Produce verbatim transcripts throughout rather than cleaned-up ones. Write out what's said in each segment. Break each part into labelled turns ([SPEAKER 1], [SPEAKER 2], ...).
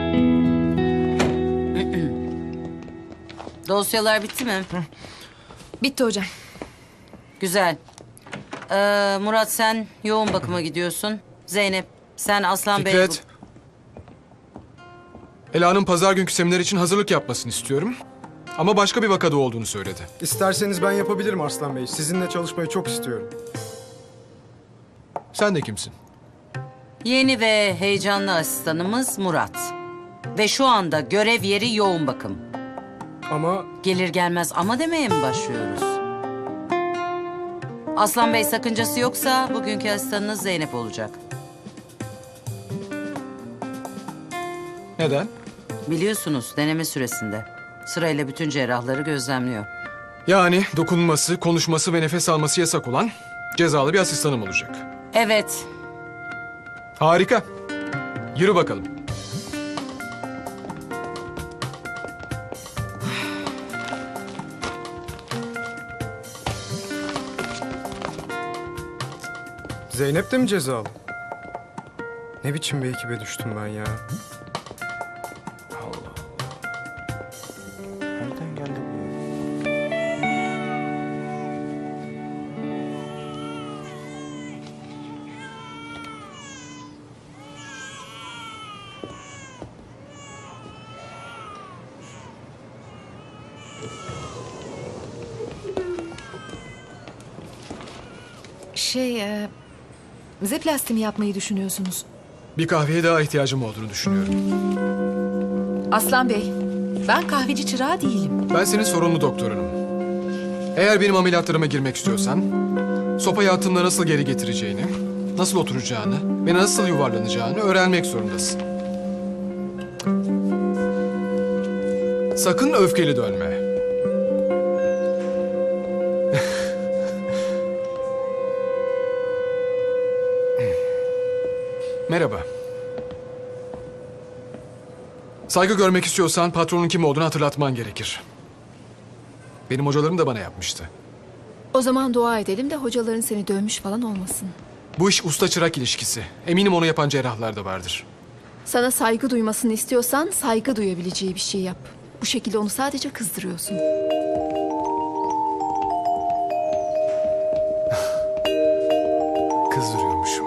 [SPEAKER 1] Dosyalar bitti mi?
[SPEAKER 2] Bitti hocam.
[SPEAKER 1] Güzel. Ee, Murat sen yoğun bakıma gidiyorsun. Zeynep sen Aslan Bey...
[SPEAKER 3] Fikret. Ela'nın pazar günkü seminer için hazırlık yapmasını istiyorum. Ama başka bir vakada olduğunu söyledi.
[SPEAKER 4] İsterseniz ben yapabilirim Arslan Bey. Sizinle çalışmayı çok istiyorum.
[SPEAKER 3] Sen de kimsin?
[SPEAKER 1] Yeni ve heyecanlı asistanımız Murat. Ve şu anda görev yeri yoğun bakım.
[SPEAKER 4] Ama
[SPEAKER 1] Gelir gelmez ama demeye mi başlıyoruz? Aslan Bey sakıncası yoksa bugünkü asistanınız Zeynep olacak.
[SPEAKER 3] Neden?
[SPEAKER 1] Biliyorsunuz deneme süresinde. Sırayla bütün cerrahları gözlemliyor.
[SPEAKER 3] Yani dokunması, konuşması ve nefes alması yasak olan cezalı bir asistanım olacak.
[SPEAKER 1] Evet.
[SPEAKER 3] Harika. Yürü bakalım.
[SPEAKER 4] Zeynep de mi cezalı? Ne biçim bir ekibe düştüm ben ya?
[SPEAKER 5] Nereden geldi bu ya?
[SPEAKER 2] Şey, e, zeplasti mi yapmayı düşünüyorsunuz?
[SPEAKER 3] Bir kahveye daha ihtiyacım olduğunu düşünüyorum.
[SPEAKER 2] Aslan Bey, ben kahveci çırağı değilim.
[SPEAKER 3] Ben senin sorumlu doktorunum. Eğer benim ameliyatlarıma girmek istiyorsan... ...sopayı attığımda nasıl geri getireceğini... ...nasıl oturacağını ve nasıl yuvarlanacağını öğrenmek zorundasın. Sakın öfkeli dönme. Merhaba. Saygı görmek istiyorsan patronun kim olduğunu hatırlatman gerekir. Benim hocalarım da bana yapmıştı.
[SPEAKER 2] O zaman dua edelim de hocaların seni dövmüş falan olmasın.
[SPEAKER 3] Bu iş usta çırak ilişkisi. Eminim onu yapan cerrahlar da vardır.
[SPEAKER 2] Sana saygı duymasını istiyorsan saygı duyabileceği bir şey yap. Bu şekilde onu sadece kızdırıyorsun.
[SPEAKER 3] Kızdırıyormuşum.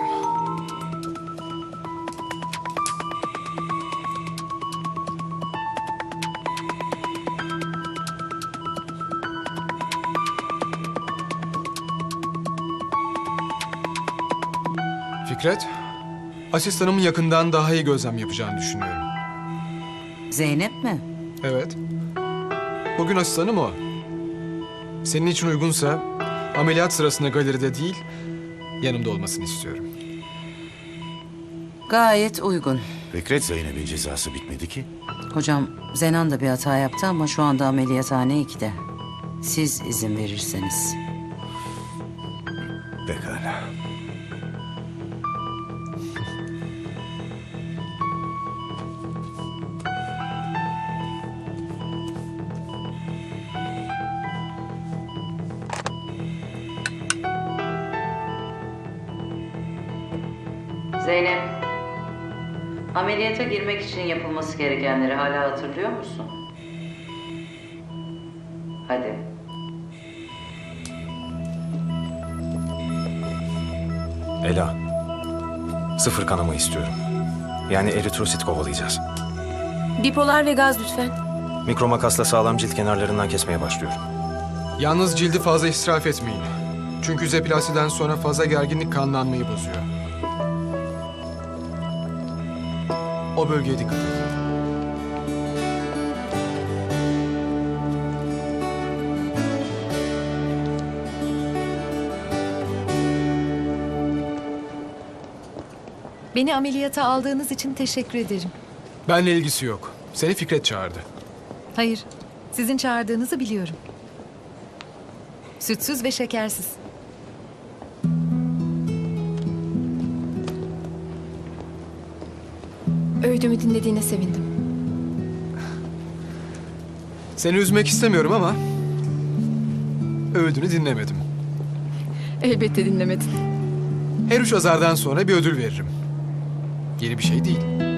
[SPEAKER 3] Fikret, asistanımın yakından daha iyi gözlem yapacağını düşünüyorum.
[SPEAKER 1] Zeynep mi?
[SPEAKER 3] Evet. Bugün asistanım o. Senin için uygunsa ameliyat sırasında galeride değil, yanımda olmasını istiyorum.
[SPEAKER 1] Gayet uygun.
[SPEAKER 5] Fikret, Zeynep'in cezası bitmedi ki.
[SPEAKER 1] Hocam Zenan da bir hata yaptı ama şu anda ameliyathane ikide. Siz izin verirseniz.
[SPEAKER 5] Pekala.
[SPEAKER 1] Zeynep, ameliyata girmek için yapılması gerekenleri hala hatırlıyor musun? Hadi.
[SPEAKER 6] Ela, sıfır kanama istiyorum. Yani eritrosit kovalayacağız.
[SPEAKER 2] Bipolar ve gaz lütfen.
[SPEAKER 6] Mikromakasla sağlam cilt kenarlarından kesmeye başlıyorum.
[SPEAKER 3] Yalnız cildi fazla israf etmeyin. Çünkü zeplasiden sonra fazla gerginlik kanlanmayı bozuyor. O bölgeye dikkat edin.
[SPEAKER 2] Beni ameliyata aldığınız için teşekkür ederim.
[SPEAKER 3] Benle ilgisi yok. Seni Fikret çağırdı.
[SPEAKER 2] Hayır, sizin çağırdığınızı biliyorum. Sütsüz ve şekersiz. Öğüdümü dinlediğine sevindim.
[SPEAKER 3] Seni üzmek istemiyorum ama... ...öğüdünü dinlemedim.
[SPEAKER 2] Elbette dinlemedin.
[SPEAKER 3] Her üç azardan sonra bir ödül veririm. Yeni bir şey değil.